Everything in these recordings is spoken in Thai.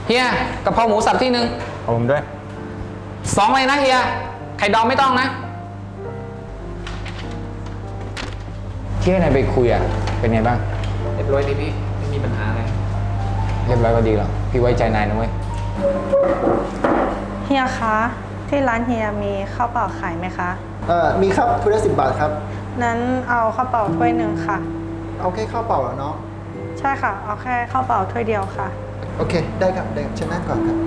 เฮียกะเพราหมูสับที่หนึ่งเอาผมด้วย 2เลยนะเฮียไข่ดองไม่ต้องนะที่ให้นายไปคุยอ่ะเป็นไงบ้างเรียบร้อยดีพี่ไม่มีปัญหาอะไรเรียบร้อยก็ดีแล้วพี่ไว้ใจนายนะเว้ยเฮียคะที่ร้านเฮียมีข้าวเปล่าขายไหมคะมีครับถ้วยละ10 บาทครับนั้นเอาข้าวเปล่าถ้วยหนึ่งค่ะเอาแค่ข้าวเปล่าเหรอเนาะใช่ค่ะเอาแค่ข้าวเปล่าถ้วยเดียวค่ะโอเคได้ครับได้ครับเชิญนั่งก่อนครับ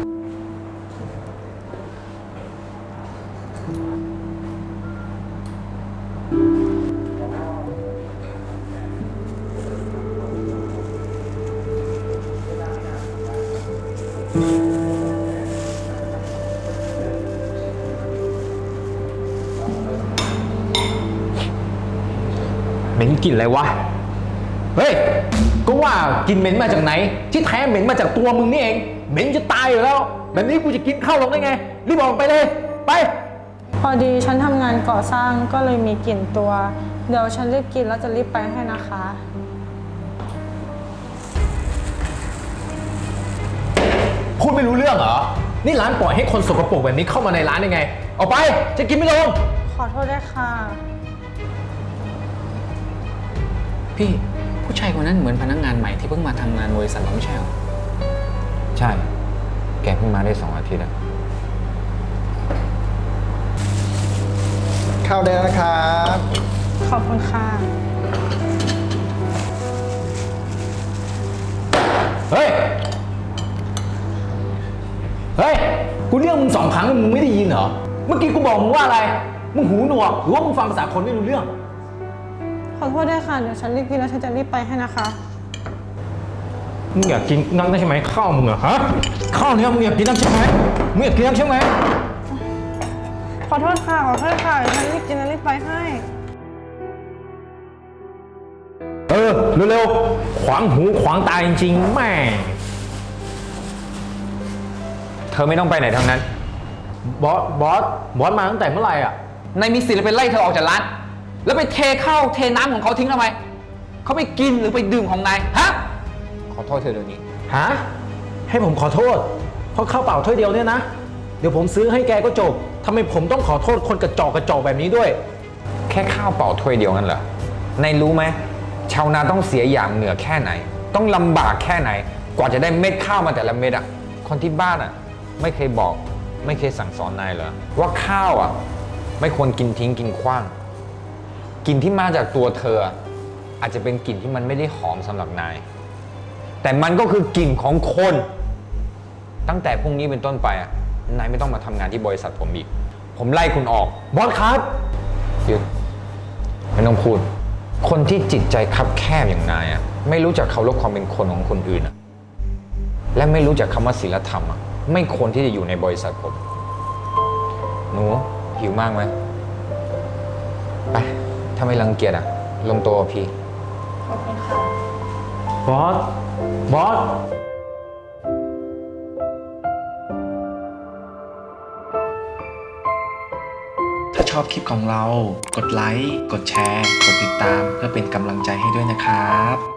เหม็นกลิ่นอะไรวะเฮ้ยก็ว่ากลิ่นเหม็นมาจากไหนที่แท้เหม็นมาจากตัวมึงนี่เองเหม็นจะตายอยู่แล้วแบบนี้กูจะกินข้าวลงได้ไงรีบออกไปเลยไปพอดีฉันทำงานก่อสร้างก็เลยมีกลิ่นตัวเดี๋ยวฉันรีบกินแล้วจะรีบไปให้นะคะพูดไม่รู้เรื่องเหรอนี่ร้านปล่อยให้คนสกปรกแบบนี้เข้ามาในร้านยังไงออกไปจะกินไม่ลงขอโทษด้วยค่ะพี่ผู้ชายคนนั้นเหมือนพนักงานใหม่ที่เพิ่งมาทำงานบริษัทเราไม่ใช่หรอใช่แกเพิ่งมาได้2 อาทิตย์อะข้าวได้แล้วนะครับขอบคุณค่ะเฮ้ยกูเรียกมึง2 ครั้งมึงไม่ได้ยินเหรอเมื่อกี้กูบอกมึงว่าอะไรมึงหูหนวกหรือว่ามึงฟังภาษาคนไม่รู้เรื่องขอโทษด้วยค่ะเดี๋ยวฉันรีบกินแล้วฉันจะรีบไปให้นะคะมึงอยากกินนักใช่ไหมข้าวมึงอะฮะข้าวเนี้ยมึงอยากกินนักใช่ไหมมึงอยากกินนักใช่ไหมขอโทษค่ะขอโทษค่ะฉันรีบกินแล้วรีบไปให้เร็วๆขวางหูขวางตาจริงๆแม่เธอไม่ต้องไปไหนทั้งนั้นบอสมาตั้งแต่เมื่อไหร่อ่ะนายมีสิทธิ์ไปไล่เธอออกจากร้านแล้วไปเทข้าวเทน้ำของเขาทิ้งทำไมเขาไปกินหรือไปดื่มของนายฮะขอโทษเธอเดี๋ยวนี้ฮะให้ผมขอโทษเพราะข้าวเปล่าถ้วยเดียวเนี่ยนะเดี๋ยวผมซื้อให้แกก็จบทำไมผมต้องขอโทษคนกระจอกแบบนี้ด้วยแค่ข้าวเปล่าถ้วยเดียวนั่นเหรอนายรู้ไหมชาวนาต้องเสียอย่างเหนื่อยแค่ไหนต้องลำบากแค่ไหนกว่าจะได้เม็ดข้าวมาแต่ละเม็ดอ่ะคนที่บ้านอ่ะไม่เคยบอกไม่เคยสั่งสอนนายเหรอว่าข้าวอ่ะไม่ควรกินทิ้งกินขว้างกลิ่นที่มาจากตัวเธออาจจะเป็นกลิ่นที่มันไม่ได้หอมสำหรับนายแต่มันก็คือกลิ่นของคนตั้งแต่พรุ่งนี้เป็นต้นไปนายไม่ต้องมาทำงานที่บริษัทผมอีกผมไล่คุณออกบอสครับหยุดไม่ต้องพูดคนที่จิตใจคับแคบอย่างนายไม่รู้จักเคารพความเป็นคนของคนอื่นและไม่รู้จักคำว่าศีลธรรมไม่ควรที่จะอยู่ในบริษัทผมหนูหิวมากไหมไปถ้าไม่รังเกียจลงตัวพี่ขอบคุณค่ะบอสถ้าชอบคลิปของเรากดไลค์กดแชร์กดติดตามเพื่อเป็นกำลังใจให้ด้วยนะครับ